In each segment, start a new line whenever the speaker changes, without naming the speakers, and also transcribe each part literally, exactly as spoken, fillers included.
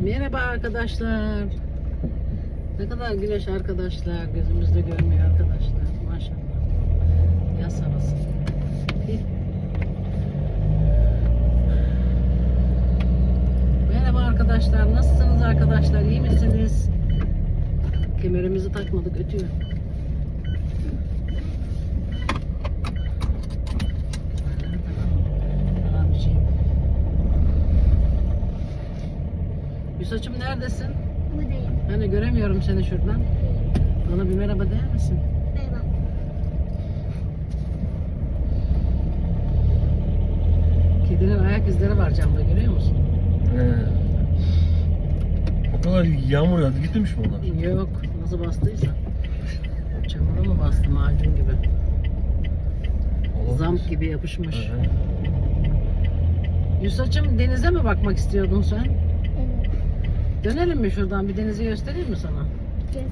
Merhaba arkadaşlar. Ne kadar güneş arkadaşlar. Gözümüzde görmüyor arkadaşlar. Maşallah. Yaz havası. Merhaba arkadaşlar. Nasılsınız arkadaşlar? İyi misiniz? Kemerimizi takmadık. Ötüyor. Yusacığım neredesin?
Buradayım.
Hani göremiyorum seni şuradan. Bana bir merhaba der misin?
Merhaba.
Kedinin ayak izleri var camda, görüyor musun?
He. O kadar yağmur yağdı, gitmemiş mi onlar?
Yok, nasıl bastıysa. Çamura mı bastı, macun gibi?
Olabilir.
Zamp gibi yapışmış.
Hı hı.
Yusacığım denize mi bakmak istiyordun sen?
Evet.
Dönelim mi şuradan, bir denizi göstereyim mi sana?
Yes.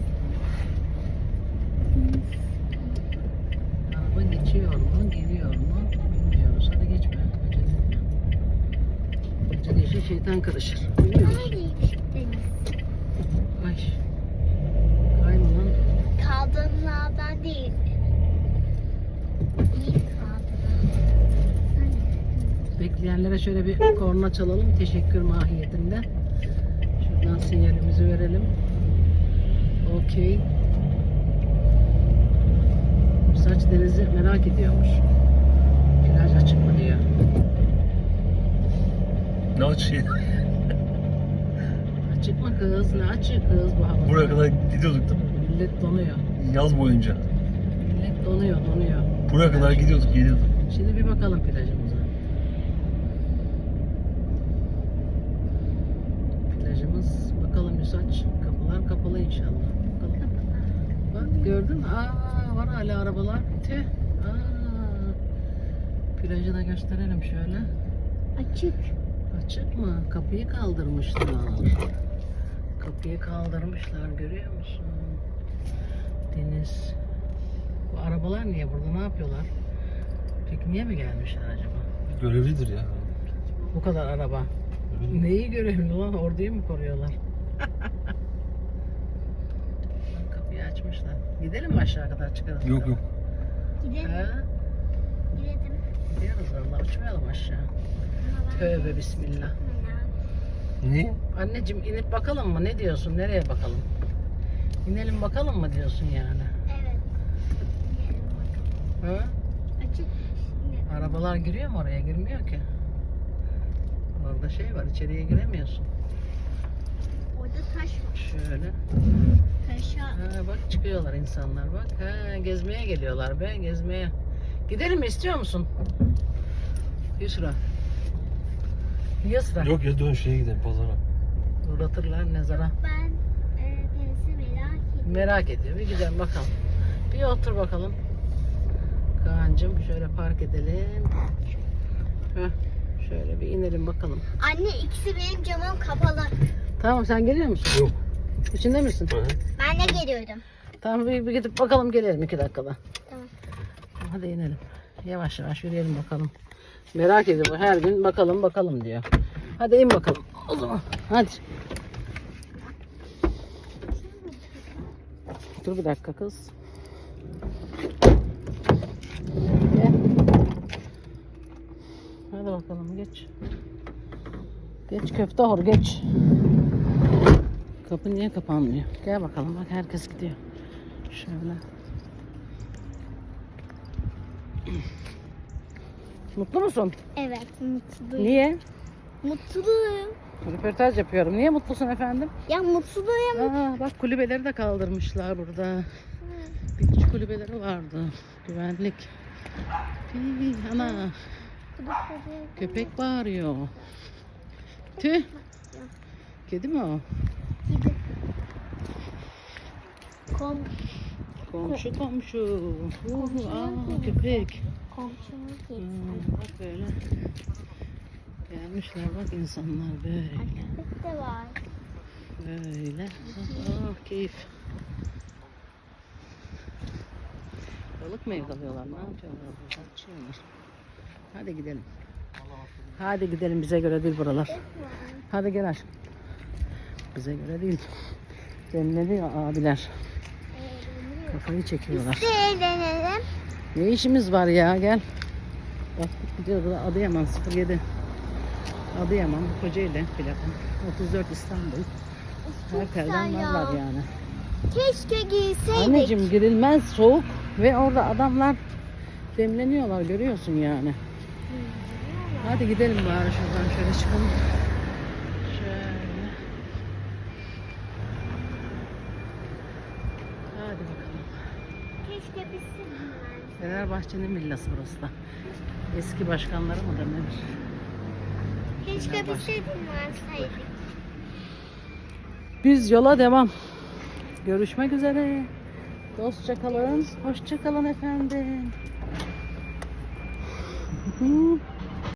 Araba geçiyor mu, geliyor mu bilmiyoruz. Hadi geçme. Acele işe şeytan karışır. Biliyoruz.
Neredeymiş deniz?
Ay. Kayma lan.
Kaldırımlardan değil. İyi kaldırım.
Bekleyenlere şöyle bir korna çalalım. Teşekkür mahiyetinde. Şuradan sinyalimizi verelim. Okey. Saç denizi merak ediyormuş. Plaj açık mı diyor.
Ne açı?
Açık mı kız? Ne açık kız bu havada?
Buraya kadar gidiyorduk değil mi?
Millet donuyor.
Yaz boyunca.
Millet donuyor, donuyor.
Buraya kadar gidiyorduk, geliyorduk.
Şimdi bir bakalım plajımıza. Plajımız, bakalım Yusaç. Kapılar kapalı inşallah. Bakalım. Bak gördün mü? Aa, var hala arabalar. Tüh. Aa. Plajı da gösterelim şöyle.
Açık.
Açık mı? Kapıyı kaldırmışlar. Kapıyı kaldırmışlar, görüyor musun? Deniz. Bu arabalar niye burada? Ne yapıyorlar? Pikniğe mi gelmişler acaba?
Görevlidir ya.
Bu kadar araba.
Öyle.
Neyi görevli lan? Orduyu mu koruyorlar? Bak, kapıyı açmışlar. Gidelim mi aşağı kadar çıkarız?
Yok yok.
Gidelim.
He?
Gidelim.
Gidiyoruz valla. Uçmayalım aşağı. Tövbe bismillah.
Niye?
Anneciğim inip bakalım mı? Ne diyorsun? Nereye bakalım? İnelim bakalım mı diyorsun yani?
Evet. Gidelim bakalım.
Ha?
Açık. Ne?
Arabalar giriyor mu oraya? Girmiyor ki. Orada şey var, içeriye giremiyorsun.
Orada taş var.
Şöyle.
Taşa.
Ha, bak çıkıyorlar insanlar bak. Ha, gezmeye geliyorlar be, gezmeye. Gidelim mi, istiyor musun? Yusra. Yusra.
Yok ya, dön şeye gidelim, pazara.
Uğratırlar nezara.
Ben e, denizi merak ediyorum.
Merak ediyor. Bir gidelim bakalım. Bir otur bakalım. Kaan'cığım şöyle park edelim. Heh, şöyle bir inelim bakalım.
Anne ikisi benim camım kapalı.
Tamam, sen geliyor musun?
Yok.
İçinde misin?
Hı hı.
Ben de geliyorum.
Tamam, bir, bir gidip bakalım, gelelim iki dakikada.
Tamam.
Hadi inelim. Yavaş yavaş yürüyelim bakalım. Merak ediyor her gün, bakalım bakalım diyor. Hadi in bakalım o zaman. Hadi. Dur bir dakika kız. Gel. Hadi bakalım geç. Geç köfte hor geç. Kapı niye kapanmıyor? Gel bakalım, bak herkes gidiyor. Şöyle. Mutlu musun?
Evet, mutluyum.
Niye?
Mutluyum.
Röportaj yapıyorum. Niye mutlusun efendim?
Ya mutluyum.
Aa, bak kulübeleri de kaldırmışlar burada. Beach kulübeleri vardı. Güvenlik. Hii, ana. Köpek bağırıyor. Tüh. Kedi mi o?
Gidip kom
Komşu komşu. Uh, aa, köpek.
komşumuz
Hmm,
gitsin.
bak böyle. Gelmişler bak insanlar böyle.
Köpek de var.
Böyle. Oh, keyif. Balık mı yakalıyorlar? Ne yapıyorlar burada? Açıyorlar. Hadi gidelim. Hadi gidelim, bize göre değil buralar. Hadi gel aşkım. bize göre değil. Demleniyor abiler. Kafayı çekiyorlar.
Biz de eğlenelim.
Ne işimiz var ya, gel. Baktık gidiyoruz da Adıyaman sıfır yedi. Adıyaman bu Kocaeli plaka. otuz dört İstanbul. Her
Çok
telden
güzel ya.
varlar yani.
Keşke giyseydik.
Anneciğim girilmez, soğuk ve orada adamlar demleniyorlar, görüyorsun yani. Hadi gidelim bari şuradan şöyle çıkalım. Şöyle. Hadi bakalım.
Keşke biz de dinlenseydik.
Fenerbahçe'nin villası burası da. Eski başkanları mı denir?
Keşke biz de dinlenseydik.
Biz yola devam. Görüşmek üzere. Dostça kalın. Hoşça kalın efendim.